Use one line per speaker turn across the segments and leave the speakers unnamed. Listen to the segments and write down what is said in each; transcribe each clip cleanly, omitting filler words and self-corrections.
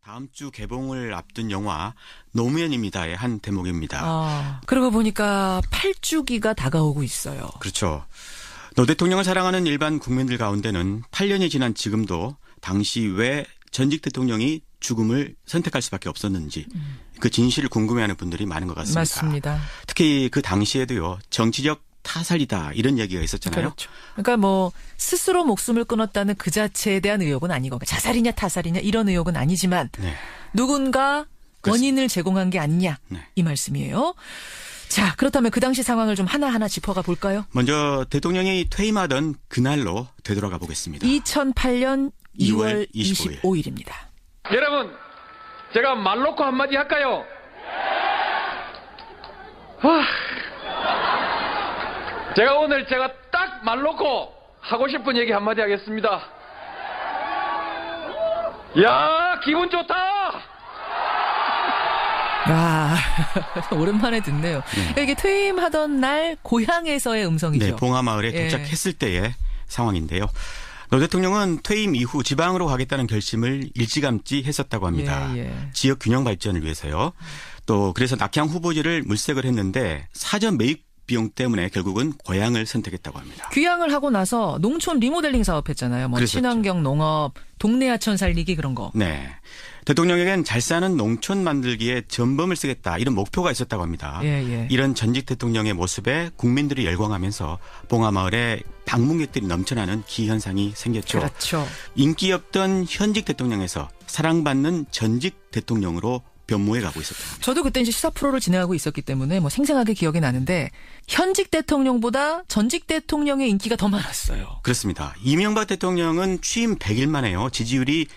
다음 주 개봉을 앞둔 영화 노무현입니다의 한 대목입니다.
그러고 보니까 8주기가 다가오고 있어요.
그렇죠. 노 대통령을 사랑하는 일반 국민들 가운데는 8년이 지난 지금도 당시 왜 전직 대통령이 죽음을 선택할 수밖에 없었는지 그 진실을 궁금해하는 분들이 많은 것 같습니다.
맞습니다.
특히 그 당시에도요. 정치적 타살이다 이런 얘기가 있었잖아요.
그렇죠. 그러니까 뭐 스스로 목숨을 끊었다는 그 자체에 대한 의혹은 아니고 자살이냐 타살이냐 이런 의혹은 아니지만
네.
누군가 원인을 제공한 게 아니냐
네.
이 말씀이에요. 자, 그렇다면 그 당시 상황을 좀 하나하나 짚어가 볼까요?
먼저 대통령이 퇴임하던 그날로 되돌아가 보겠습니다.
2008년 2월
25일.
25일입니다.
여러분, 제가 말 놓고 한마디 할까요? 제가 오늘 딱 말 놓고 하고 싶은 얘기 한마디 하겠습니다. 야, 기분 좋다!
오랜만에 듣네요. 그러니까 이게 퇴임하던 날 고향에서의 음성이죠.
네, 봉하마을에
예.
도착했을 때의 상황인데요. 노 대통령은 퇴임 이후 지방으로 가겠다는 결심을 일찌감치 했었다고 합니다.
예.
지역 균형 발전을 위해서요. 또 그래서 낙향 후보지를 물색을 했는데 사전 매입 비용 때문에 결국은 고향을 선택했다고 합니다.
귀향을 하고 나서 농촌 리모델링 사업했잖아요. 뭐
그랬었죠.
친환경 농업, 동네 하천 살리기 그런 거.
네. 대통령에겐 잘 사는 농촌 만들기에 전범을 쓰겠다 이런 목표가 있었다고 합니다.
예.
이런 전직 대통령의 모습에 국민들이 열광하면서 봉하마을에 방문객들이 넘쳐나는 기현상이 생겼죠.
그렇죠.
인기 없던 현직 대통령에서 사랑받는 전직 대통령으로 변모해 가고 있었다.
저도 그때 이제 시사 프로를 진행하고 있었기 때문에 뭐 생생하게 기억이 나는데 현직 대통령보다 전직 대통령의 인기가 더 많았어요.
그렇습니다. 이명박 대통령은 취임 100일 만에요. 지지율이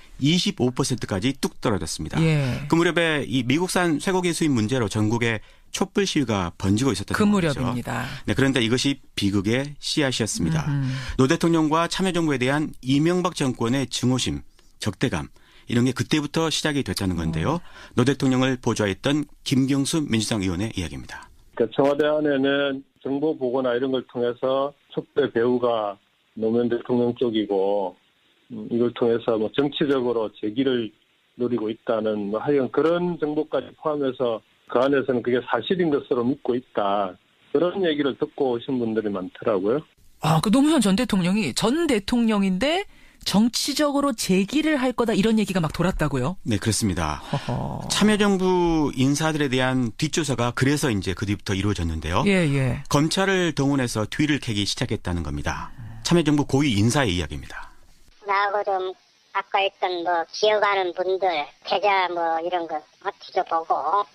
25%까지 뚝 떨어졌습니다.
예.
그 무렵에 이 미국산 쇠고기 수입 문제로 전국에 촛불 시위가 번지고 있었던
그
상황이죠.
무렵입니다.
네, 그런데 이것이 비극의 씨앗이었습니다. 노 대통령과 참여정부에 대한 이명박 정권의 증오심, 적대감 이런 게 그때부터 시작이 됐다는 건데요. 노 대통령을 보좌했던 김경수 민주당 의원의 이야기입니다.
그러니까 청와대 안에는 정보 보고나 이런 걸 통해서 촛대 배후가 노무현 대통령 쪽이고 이걸 통해서 뭐 정치적으로 재기를 노리고 있다는 하여간 그런 정보까지 포함해서 그 안에서는 그게 사실인 것으로 믿고 있다. 그런 얘기를 듣고 오신 분들이 많더라고요.
그 노무현 전 대통령이 전 대통령인데 정치적으로 재기를 할 거다 이런 얘기가 막 돌았다고요?
네, 그렇습니다.
허허.
참여정부 인사들에 대한 뒷조사가 그래서 이제 그 뒤부터 이루어졌는데요.
예.
검찰을 동원해서 뒤를 캐기 시작했다는 겁니다. 참여정부 고위 인사의 이야기입니다.
나하고 좀 아까 있던 뭐 기억하는 분들 계좌 뭐 이런 거 뒤져보고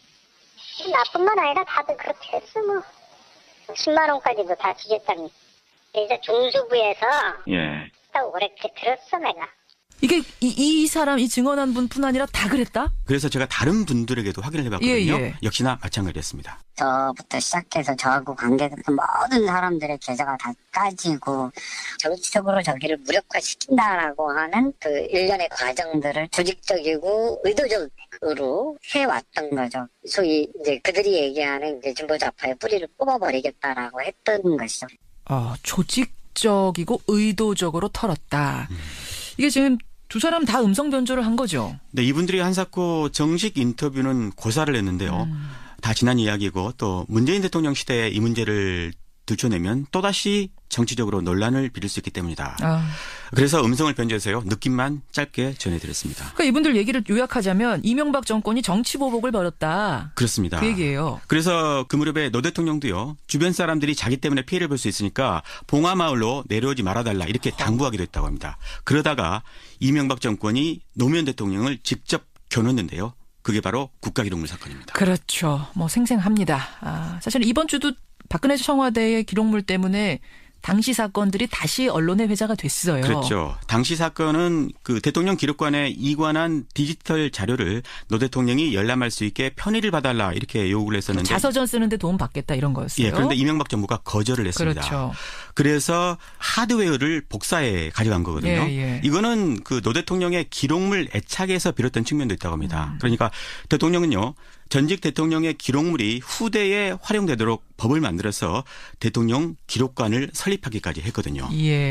나뿐만 아니라 다들 그렇게 했어 뭐 10만 원까지도 다 뒤졌다니. 이제 중수부에서 딱 오래 들었어 내가.
이게 이 사람 이 증언한 분뿐 아니라 다 그랬다?
그래서 제가 다른 분들에게도 확인을 해봤거든요.
예.
역시나 마찬가지였습니다.
저부터 시작해서 저하고 관계됐던 모든 사람들의 계좌가 다 까지고 정치적으로 저기를 무력화시킨다라고 하는 그 일련의 과정들을 조직적이고 의도적으로 해왔던 거죠. 소위 이제 그들이 얘기하는 이제 진보좌파의 뿌리를 뽑아버리겠다라고 했던 것이죠.
조직적이고 의도적으로 털었다. 이게 지금 두 사람 다 음성 변조를 한 거죠?
네, 이분들이 한사코 정식 인터뷰는 고사를 했는데요. 다 지난 이야기고 또 문재인 대통령 시대에 이 문제를 들춰내면 또다시 정치적으로 논란을 빚을 수 있기 때문이다. 그래서 음성을 변조해서요. 느낌만 짧게 전해드렸습니다.
그러니까 이분들 얘기를 요약하자면 이명박 정권이 정치 보복을 벌였다.
그렇습니다.
그 얘기예요.
그래서 그 무렵에 노 대통령도요. 주변 사람들이 자기 때문에 피해를 볼 수 있으니까 봉하마을로 내려오지 말아달라 이렇게 당부하기도 했다고 합니다. 그러다가 이명박 정권이 노무현 대통령을 직접 겨눴는데요. 그게 바로 국가기록물 사건입니다.
그렇죠. 뭐 생생합니다. 사실 이번 주도 박근혜 청와대의 기록물 때문에 당시 사건들이 다시 언론에 회자가 됐어요.
그렇죠. 당시 사건은 그 대통령 기록관에 이관한 디지털 자료를 노 대통령이 열람할 수 있게 편의를 봐달라 이렇게 요구를 했었는데
자서전 쓰는데 도움 받겠다 이런 거였어요.
예, 그런데 이명박 정부가 거절을 했습니다.
그렇죠.
그래서 하드웨어를 복사해 가져간 거거든요.
예.
이거는 그 노 대통령의 기록물 애착에서 비롯된 측면도 있다고 합니다. 그러니까 대통령은요. 전직 대통령의 기록물이 후대에 활용되도록 법을 만들어서 대통령 기록관을 설립하기까지 했거든요.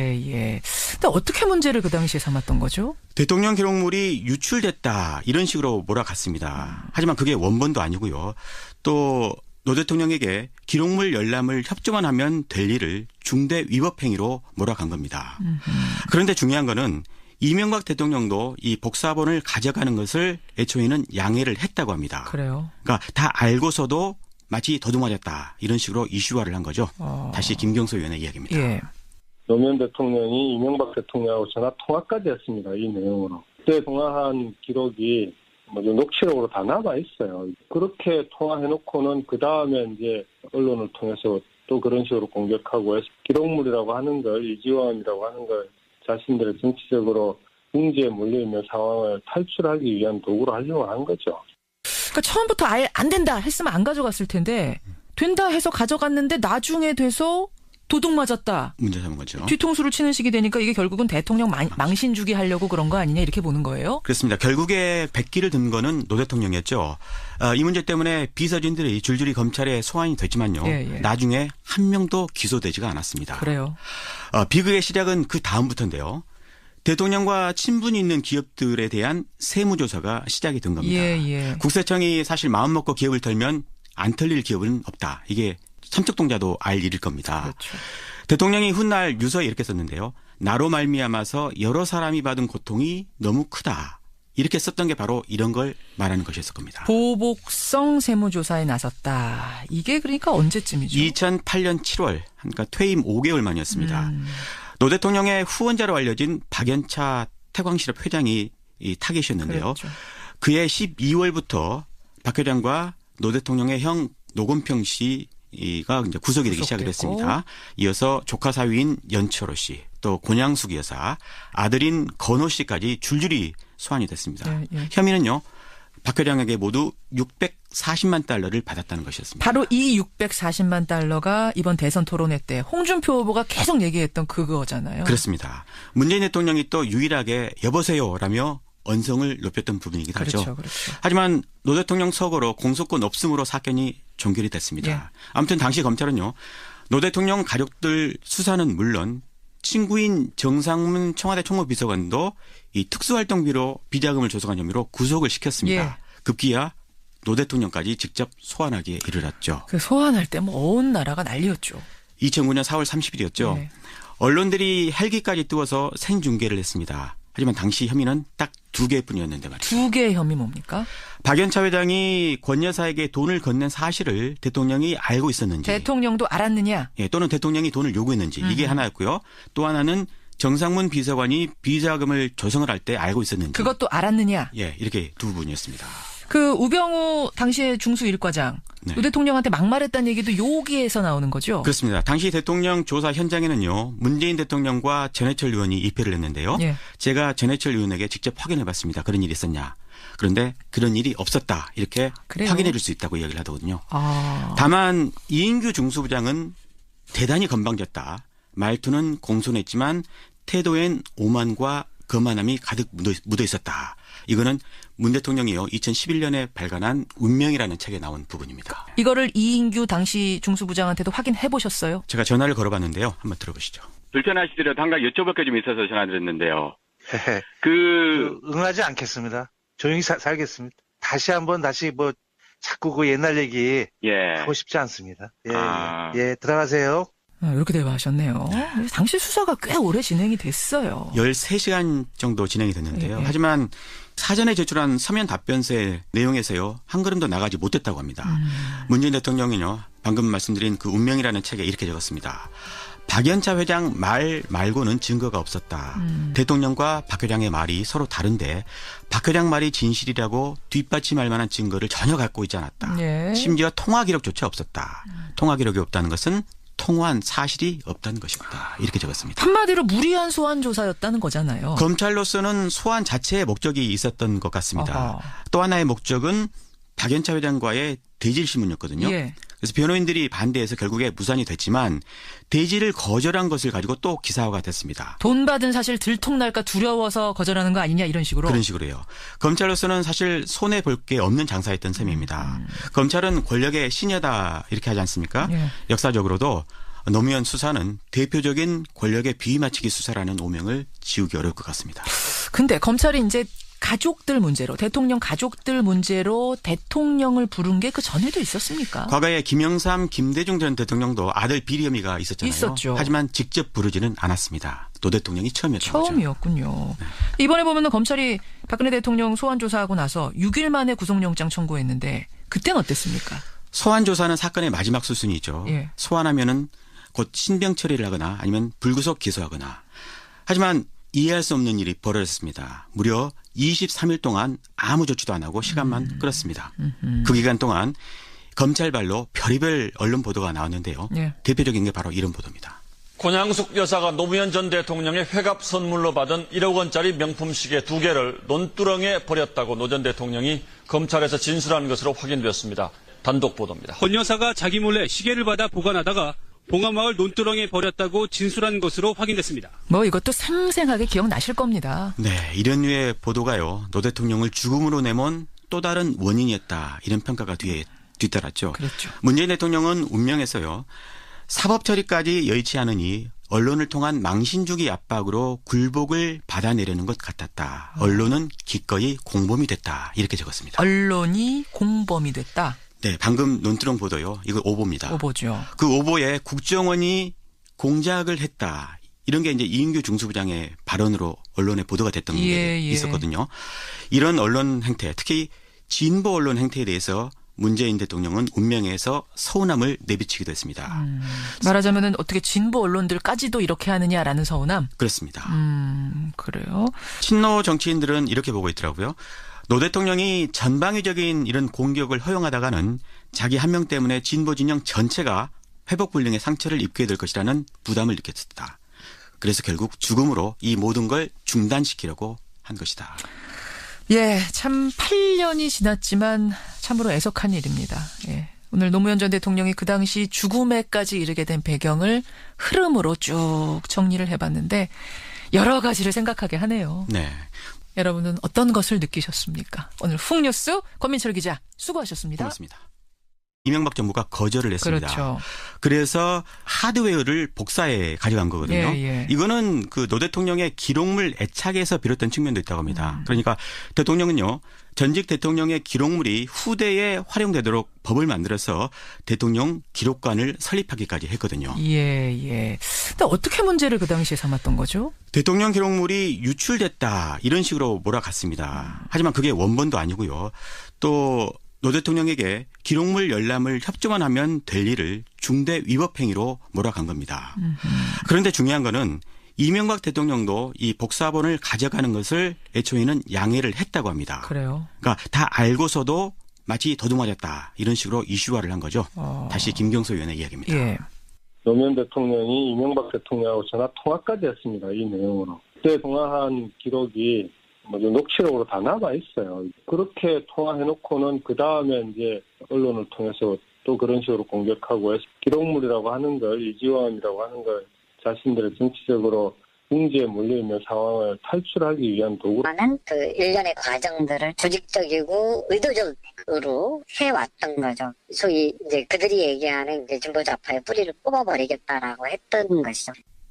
예. 근데 어떻게 문제를 그 당시에 삼았던 거죠?
대통령 기록물이 유출됐다 이런 식으로 몰아갔습니다. 하지만 그게 원본도 아니고요. 또 노 대통령에게 기록물 열람을 협조만 하면 될 일을 중대 위법 행위로 몰아간 겁니다. 그런데 중요한 거는 이명박 대통령도 이 복사본을 가져가는 것을 애초에는 양해를 했다고 합니다.
그래요.
그러니까 다 알고서도 마치 도둑맞았다 이런 식으로 이슈화를 한 거죠. 다시 김경수 의원의 이야기입니다.
예.
노무현 대통령이 이명박 대통령하고 전화 통화까지 했습니다. 이 내용으로. 그때 통화한 기록이 녹취록으로 다 남아 있어요. 그렇게 통화해놓고는 그 다음에 이제 언론을 통해서 또 그런 식으로 공격하고 기록물이라고 하는 걸 이지원이라고 하는 걸 자신들의 정치적으로 궁지에 몰려있는 상황을 탈출하기 위한 도구로 하려고 한 거죠.
그러니까 처음부터 아예 안 된다 했으면 안 가져갔을 텐데 된다 해서 가져갔는데 나중에 돼서 도둑 맞았다.
문제 삼은 거죠.
뒤통수를 치는 식이 되니까 이게 결국은 대통령 망신 주기 하려고 그런 거 아니냐 이렇게 보는 거예요?
그렇습니다. 결국에 백기를 든 거는 노 대통령이었죠. 이 문제 때문에 비서진들이 줄줄이 검찰에 소환이 됐지만요.
예.
나중에 한 명도 기소되지가 않았습니다.
그래요.
비극의 시작은 그 다음부터인데요. 대통령과 친분이 있는 기업들에 대한 세무조사가 시작이 된 겁니다.
예.
국세청이 사실 마음먹고 기업을 털면 안 털릴 기업은 없다. 이게 삼척동자도 알 일일 겁니다.
그렇죠.
대통령이 훗날 유서에 이렇게 썼는데요. 나로 말미암아서 여러 사람이 받은 고통이 너무 크다. 이렇게 썼던 게 바로 이런 걸 말하는 것이었을 겁니다.
보복성 세무조사에 나섰다. 이게 그러니까 언제쯤이죠?
2008년 7월, 그러니까 퇴임 5개월 만이었습니다. 노 대통령의 후원자로 알려진 박연차 태광실업 회장이 이 타겟이었는데요.
그렇죠.
그해 12월부터 박 회장과 노 대통령의 형 노건평 씨가 이제 구속이 되기 시작을 했습니다. 이어서 조카 사위인 연철호 씨, 또 권양숙 여사, 아들인 건호 씨까지 줄줄이 소환이 됐습니다.
예.
혐의는요. 박 회장에게 모두 640만 달러를 받았다는 것이었습니다.
바로 이 640만 달러가 이번 대선 토론회 때 홍준표 후보가 계속 얘기했던 그거잖아요.
그렇습니다. 문재인 대통령이 또 유일하게 여보세요라며 언성을 높였던 부분이기도 하죠.
그렇죠.
하지만 노 대통령 서거로 공소권 없음으로 사건이 종결이 됐습니다.
예.
아무튼 당시 검찰은요. 노 대통령 가족들 수사는 물론 친구인 정상문 청와대 총무비서관도 이 특수활동비로 비자금을 조성한 혐의로 구속을 시켰습니다.
예.
급기야 노 대통령까지 직접 소환하기에 이르렀죠.
그 소환할 때 뭐 온 나라가 난리였죠.
2009년 4월 30일이었죠.
예.
언론들이 헬기까지 띄워서 생중계를 했습니다. 하지만 당시 혐의는 딱 2개뿐이었는데 말이죠.
2개의 혐의 뭡니까?
박연차 회장이 권 여사에게 돈을 건넨 사실을 대통령이 알고 있었는지.
대통령도 알았느냐?
예, 또는 대통령이 돈을 요구했는지. 이게 하나였고요. 또 하나는 정상문 비서관이 비자금을 조성을 할 때 알고 있었는지.
그것도 알았느냐?
예, 이렇게 두 부분이었습니다.
그 우병우 당시의 중수 1과장.
네.
노 대통령한테 막말했다는 얘기도 여기에서 나오는 거죠?
그렇습니다. 당시 대통령 조사 현장에는요. 문재인 대통령과 전해철 의원이 입회를 했는데요.
예.
제가 전해철 의원에게 직접 확인해 봤습니다. 그런 일이 있었냐. 그런데 그런 일이 없었다. 이렇게
그래요?
확인해 줄 수 있다고 이야기를 하더군요.
아.
다만 이인규 중수부장은 대단히 건방졌다. 말투는 공손했지만 태도엔 오만과 거만함이 가득 묻어 있었다. 이거는 문 대통령이요 2011년에 발간한 운명이라는 책에 나온 부분입니다.
이거를 이인규 당시 중수부장한테도 확인해 보셨어요?
제가 전화를 걸어봤는데요. 한번 들어보시죠.
불편하시더라도 한 가지 여쭤볼 게 좀 있어서 전화드렸는데요.
응하지 않겠습니다. 조용히 살겠습니다. 다시 자꾸 그 옛날 얘기 하고 싶지 않습니다. 예, 들어가세요.
이렇게 대화하셨네요. 당시 수사가 꽤 오래 진행이 됐어요.
13시간 정도 진행이 됐는데요. 하지만 사전에 제출한 서면 답변서의 내용에서요. 한 걸음도 나가지 못했다고 합니다. 문재인 대통령이요. 방금 말씀드린 그 운명이라는 책에 이렇게 적었습니다. 박연차 회장 말 말고는 증거가 없었다. 대통령과 박 회장의 말이 서로 다른데 박 회장 말이 진실이라고 뒷받침할 만한 증거를 전혀 갖고 있지 않았다.
예.
심지어 통화 기록조차 없었다. 통화 기록이 없다는 것은 통화한 사실이 없다는 것입니다. 이렇게 적었습니다.
한마디로 무리한 소환 조사였다는 거잖아요.
검찰로서는 소환 자체의 목적이 있었던 것 같습니다.
아하.
또 하나의 목적은 박연차 회장과의 대질 신문이었거든요.
예.
그래서 변호인들이 반대해서 결국에 무산이 됐지만 대질을 거절한 것을 가지고 또 기사화가 됐습니다.
돈 받은 사실 들통날까 두려워서 거절하는 거 아니냐 이런 식으로.
그런 식으로요. 검찰로서는 사실 손해 볼 게 없는 장사였던 셈입니다. 검찰은 권력의 신여다 이렇게 하지 않습니까?
예.
역사적으로도 노무현 수사는 대표적인 권력의 비위맞추기 수사라는 오명을 지우기 어려울 것 같습니다.
근데 검찰이 이제 가족들 문제로 대통령 가족들 문제로 대통령을 부른 게 그 전에도 있었습니까?
과거에 김영삼, 김대중 전 대통령도 아들 비리 혐의가 있었잖아요.
있었죠.
하지만 직접 부르지는 않았습니다. 노 대통령이 처음이었던 거죠.
처음이었군요. 이번에 보면은 검찰이 박근혜 대통령 소환 조사하고 나서 6일 만에 구속영장 청구했는데 그때는 어땠습니까?
소환 조사는 사건의 마지막 수순이죠.
예.
소환하면은 곧 신병 처리를 하거나 아니면 불구속 기소하거나. 하지만 이해할 수 없는 일이 벌어졌습니다. 무려 23일 동안 아무 조치도 안 하고 시간만 끌었습니다. 그 기간 동안 검찰발로 별의별 언론 보도가 나왔는데요.
예.
대표적인 게 바로 이런 보도입니다.
권양숙 여사가 노무현 전 대통령의 회갑 선물로 받은 1억 원짜리 명품 시계 2개를 논두렁에 버렸다고 노 전 대통령이 검찰에서 진술한 것으로 확인되었습니다. 단독 보도입니다.
권 여사가 자기 몰래 시계를 받아 보관하다가 봉화마을 논두렁에 버렸다고 진술한 것으로 확인됐습니다.
뭐 이것도 생생하게 기억나실 겁니다.
네, 이런 류의 보도가요. 노 대통령을 죽음으로 내몬 또 다른 원인이었다. 이런 평가가 뒤따랐죠.
그렇죠.
문재인 대통령은 운명에서요. 사법 처리까지 여의치 않으니 언론을 통한 망신 주기 압박으로 굴복을 받아내려는 것 같았다. 언론은 기꺼이 공범이 됐다. 이렇게 적었습니다.
언론이 공범이 됐다.
네, 방금 논두렁 보도요. 이거 오보입니다.
오보죠.
그 오보에 국정원이 공작을 했다. 이런 게 이제 이인규 중수부장의 발언으로 언론에 보도가 됐던 게 있었거든요. 이런 언론 행태, 특히 진보 언론 행태에 대해서 문재인 대통령은 운명에서 서운함을 내비치기도 했습니다.
말하자면은 어떻게 진보 언론들까지도 이렇게 하느냐라는 서운함?
그렇습니다.
그래요?
친노 정치인들은 이렇게 보고 있더라고요. 노 대통령이 전방위적인 이런 공격을 허용하다가는 자기 한 명 때문에 진보 진영 전체가 회복 불능의 상처를 입게 될 것이라는 부담을 느꼈다. 그래서 결국 죽음으로 이 모든 걸 중단시키려고 한 것이다.
예, 참 8년이 지났지만 참으로 애석한 일입니다. 예. 오늘 노무현 전 대통령이 그 당시 죽음에까지 이르게 된 배경을 흐름으로 쭉 정리를 해봤는데 여러 가지를 생각하게 하네요.
네.
여러분은 어떤 것을 느끼셨습니까? 오늘 훅뉴스 권민철 기자 수고하셨습니다.
고맙습니다. 이명박 정부가 거절을 했습니다.
그렇죠.
그래서 하드웨어를 복사해 가져간 거거든요.
예.
이거는 그 노 대통령의 기록물 애착에서 비롯된 측면도 있다고 합니다. 그러니까 대통령은요. 전직 대통령의 기록물이 후대에 활용되도록 법을 만들어서 대통령 기록관을 설립하기까지 했거든요.
예. 근데 어떻게 문제를 그 당시에 삼았던 거죠?
대통령 기록물이 유출됐다 이런 식으로 몰아갔습니다. 하지만 그게 원본도 아니고요. 또 노 대통령에게 기록물 열람을 협조만 하면 될 일을 중대 위법 행위로 몰아간 겁니다. 그런데 중요한 거는 이명박 대통령도 이 복사본을 가져가는 것을 애초에는 양해를 했다고 합니다.
그래요.
그러니까 다 알고서도 마치 도둑맞았다 이런 식으로 이슈화를 한 거죠. 다시 김경수 의원의 이야기입니다.
예.
노무현 대통령이 이명박 대통령하고 전화 통화까지 했습니다. 이 내용으로. 그때 통화한 기록이 녹취록으로 다 남아 있어요. 그렇게 통화해놓고는 그 다음에 이제 언론을 통해서 또 그런 식으로 공격하고 해서 기록물이라고 하는 걸 이지원이라고 하는 걸 자신들의 정치적으로 궁지에 몰려있는 상황을 탈출하기 위한
도구라는 그 일련의 과정들을 조직적이고 의도적으로 해왔던 거죠. 소위 이제 그들이 얘기하는 이제 진보좌파의 뿌리를 뽑아버리겠다라고 했던 것이죠.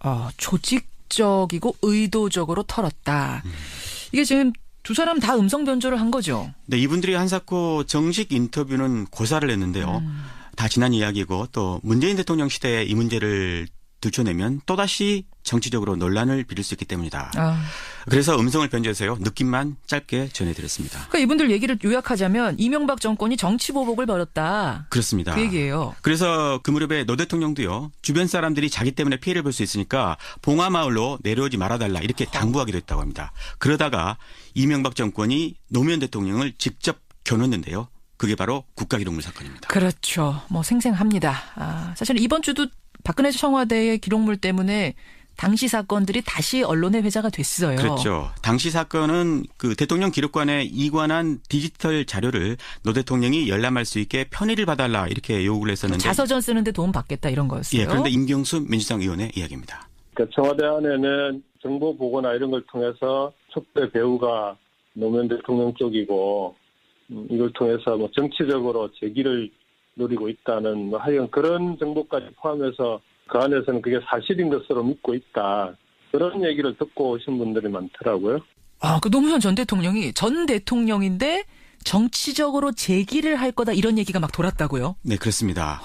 조직적이고 의도적으로 털었다. 이게 지금 두 사람 다 음성 변조를 한 거죠.
네, 이분들이 한사코 정식 인터뷰는 고사를 했는데요. 다 지난 이야기고 또 문재인 대통령 시대에 이 문제를 들춰내면 또다시 정치적으로 논란을 빚을 수 있기 때문이다. 그래서 음성을 변조해서요. 느낌만 짧게 전해드렸습니다.
그러니까 이분들 얘기를 요약하자면 이명박 정권이 정치보복을 벌였다.
그렇습니다.
그 얘기예요.
그래서 그 무렵에 노 대통령도요. 주변 사람들이 자기 때문에 피해를 볼 수 있으니까 봉화마을로 내려오지 말아달라 이렇게 당부하기도 했다고 합니다. 그러다가 이명박 정권이 노무현 대통령을 직접 겨눴는데요. 그게 바로 국가기록물 사건입니다.
그렇죠. 뭐 생생합니다. 사실 이번 주도 박근혜 청와대의 기록물 때문에 당시 사건들이 다시 언론의 회자가 됐어요.
그렇죠. 당시 사건은 그 대통령 기록관에 이관한 디지털 자료를 노 대통령이 열람할 수 있게 편의를 봐달라 이렇게 요구를 했었는데
자서전 쓰는데 도움 받겠다 이런 거였어요.
예, 그런데 임경수 민주당 의원의 이야기입니다.
그러니까 청와대 안에는 정보 보고나 이런 걸 통해서 촛대 배후가 노무현 대통령 쪽이고 이걸 통해서 뭐 정치적으로 재기를 노리고 있다는 뭐 하여간 그런 정보까지 포함해서 그 안에서는 그게 사실인 것으로 믿고 있다. 그런 얘기를 듣고 오신 분들이 많더라고요.
아, 그 노무현 전 대통령이 전 대통령인데 정치적으로 재기를 할 거다 이런 얘기가 막 돌았다고요?
네, 그렇습니다.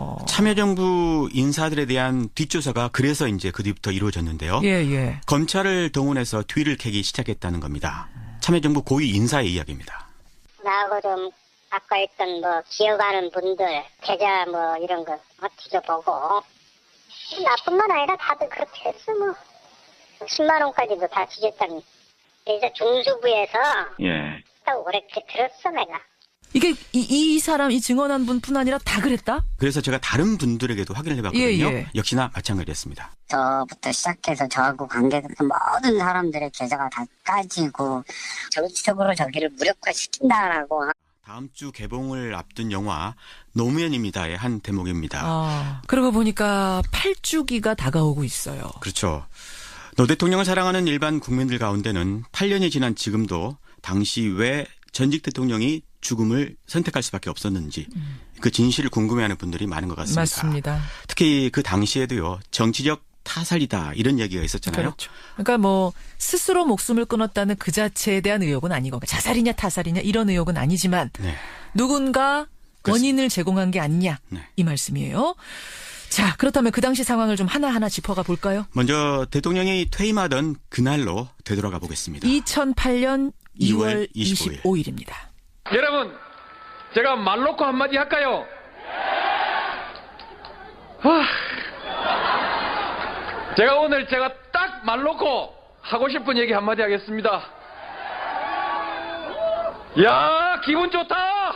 참여정부 인사들에 대한 뒷조사가 그래서 이제 그 뒤부터 이루어졌는데요.
예.
검찰을 동원해서 뒤를 캐기 시작했다는 겁니다. 참여정부 고위 인사의 이야기입니다.
나하고 좀 아까 있던 뭐 기억하는 분들 계좌 뭐 이런 거 뒤져보고 나뿐만 아니라 다들 그렇게 했어 뭐 10만 원까지도 다 뒤졌다니. 이제 중수부에서 딱 그렇게 들었어 내가.
이게 이 사람 이 증언한 분뿐 아니라 다 그랬다?
그래서 제가 다른 분들에게도 확인을 해봤거든요.
예.
역시나 마찬가지였습니다.
저부터 시작해서 저하고 관계됐던 모든 사람들의 계좌가 다 까지고 정치적으로 저기를 무력화시킨다라고.
다음 주 개봉을 앞둔 영화 노무현입니다의 한 대목입니다.
그러고 보니까 8주기가 다가오고 있어요.
그렇죠. 노 대통령을 사랑하는 일반 국민들 가운데는 8년이 지난 지금도 당시 왜 전직 대통령이 죽음을 선택할 수밖에 없었는지 그 진실을 궁금해하는 분들이 많은 것 같습니다.
맞습니다.
특히 그 당시에도요. 정치적 타살이다 이런 얘기가 있었잖아요.
그렇죠. 그러니까 뭐 스스로 목숨을 끊었다는 그 자체에 대한 의혹은 아니고 자살이냐 타살이냐 이런 의혹은 아니지만 누군가 원인을 제공한 게 아니냐 이 말씀이에요. 자, 그렇다면 그 당시 상황을 좀 하나하나 짚어가 볼까요?
먼저 대통령이 퇴임하던 그날로 되돌아가 보겠습니다.
2008년 2월 25일입니다.
여러분, 제가 말 놓고 한마디 할까요? 제가 오늘 딱 말 놓고 하고 싶은 얘기 한마디 하겠습니다. 야, 기분 좋다!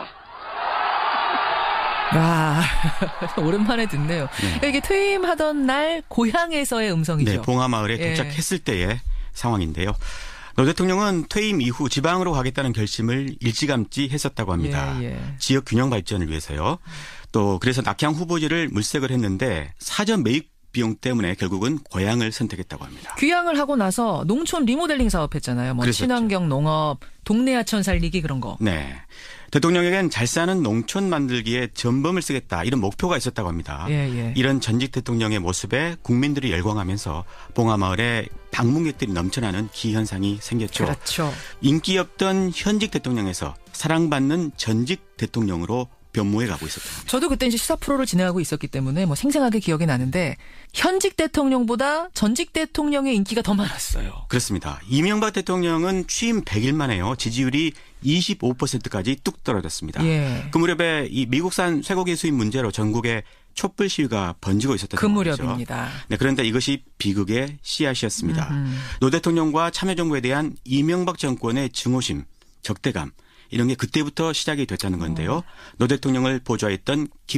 아, 오랜만에 듣네요. 이게 퇴임하던 날 고향에서의 음성이죠.
네, 봉하마을에 도착했을 때의 상황인데요. 노 대통령은 퇴임 이후 지방으로 가겠다는 결심을 일찌감치 했었다고 합니다. 지역 균형 발전을 위해서요. 또 그래서 낙향 후보지를 물색을 했는데 사전 매입 비용 때문에 결국은 고향을 선택했다고 합니다.
귀향을 하고 나서 농촌 리모델링 사업했잖아요. 뭐 친환경 농업, 동네 하천 살리기 그런 거.
네. 대통령에겐 잘 사는 농촌 만들기에 전범을 쓰겠다 이런 목표가 있었다고 합니다. 이런 전직 대통령의 모습에 국민들이 열광하면서 봉하마을에 방문객들이 넘쳐나는 기현상이 생겼죠.
그렇죠.
인기 없던 현직 대통령에서 사랑받는 전직 대통령으로 변모해 가고 있었다.
저도 그때 이제 시사 프로를 진행하고 있었기 때문에 뭐 생생하게 기억이 나는데 현직 대통령보다 전직 대통령의 인기가 더 많았어요.
그렇습니다. 이명박 대통령은 취임 100일 만에요. 지지율이 25%까지 뚝 떨어졌습니다. 그 무렵에 이 미국산 쇠고기 수입 문제로 전국에 촛불 시위가 번지고 있었던
그 무렵입니다.
네, 그런데 이것이 비극의 씨앗이었습니다. 노 대통령과 참여정부에 대한 이명박 정권의 증오심, 적대감 이런 게 그때부터 시작이 됐다는 건데요. 노 대통령을 보좌했던